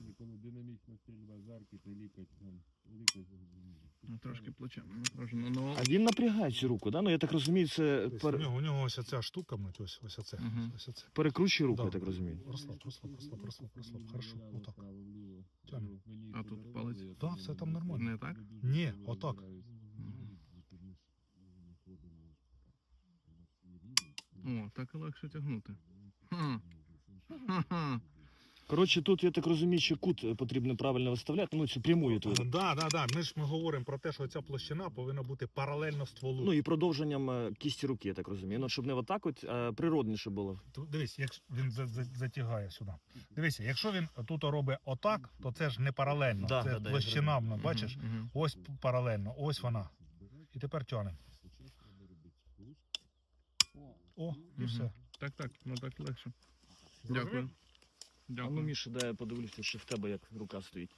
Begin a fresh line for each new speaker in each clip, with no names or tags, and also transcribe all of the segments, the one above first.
коли динамічна стрільба з арки, то лікоть там.
Ну, трошки плечем напружено, но...
А він напрягає цю руку, да? Ну я так розумію, це
У нього ось ця штука, мать, ось оце.
Мгм.
Ось оце.
перекручує руку,
Да.
я так розумію.
Розслаб. Хорошо, отак. Тягни.
А тут палець?
Да, все там нормально.
Не так?
Ні, отак.
О, так і легше тягнути. Ха. Ха-ха.
Коротше, тут, я так розумію, що кут потрібно правильно виставляти, ну цю пряму твою.
Да. Ми говоримо про те, що ця площина повинна бути паралельно стволу.
Ну і продовженням кісті руки, я так розумію. Ну, щоб не отак от, а природніше було.
Дивись, якщо він затягає сюди. Дивися, якщо він тут робить отак, то це ж не паралельно.
Да,
це
да,
площина,
я
бачиш?
Мгм.
Ось паралельно, ось вона. І тепер тягнемо. О, і
Мгм.
все.
Так, ну так легше.
Зрозумів?
Дякую.
А ну,
Дякую.
Міша, дай я подивлюся, що в тебе як рука стоїть.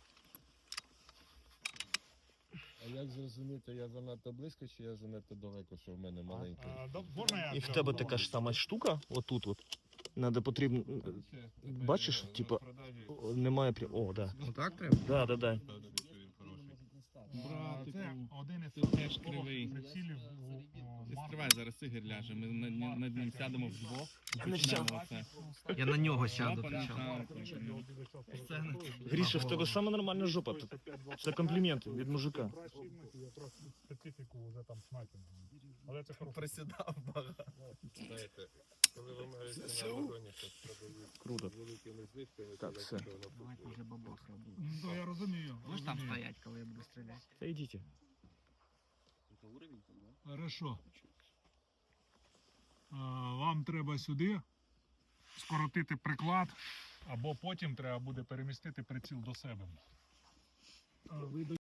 А як зрозуміти, я занадто близько чи я занадто далеко, що в мене маленький?
І в тебе така ж сама штука, отут от. Надо потрібно. Бачиш, типа, немає О, да.
Отак треба?
Да.
Братику,
Це один із
ти теж кривий.
прицілів
Ти стривай, зараз Ігор ляже, ми над ним сядемо вдвох.
Я не
Почнемо
сяду.
оце.
Я на нього сяду.
Опа,
причому.
так.
Гріша, в тебе сама нормальна жопа. Це комплімент від мужика.
Специфіку вже там снайпінг. Але це хорошо.
Присідав багато.
Знаєте, коли ви маєте на Амазоні, то продають
Круто.
великими знижками,
Так,
то
все.
воно
Давайте вже бабос робити.
Ну, я розумію.
Будеш там стоять, коли я буду стріляти?
Та йдіть.
Хорошо. Вам треба сюди скоротити приклад, або потім треба буде перемістити приціл до себе.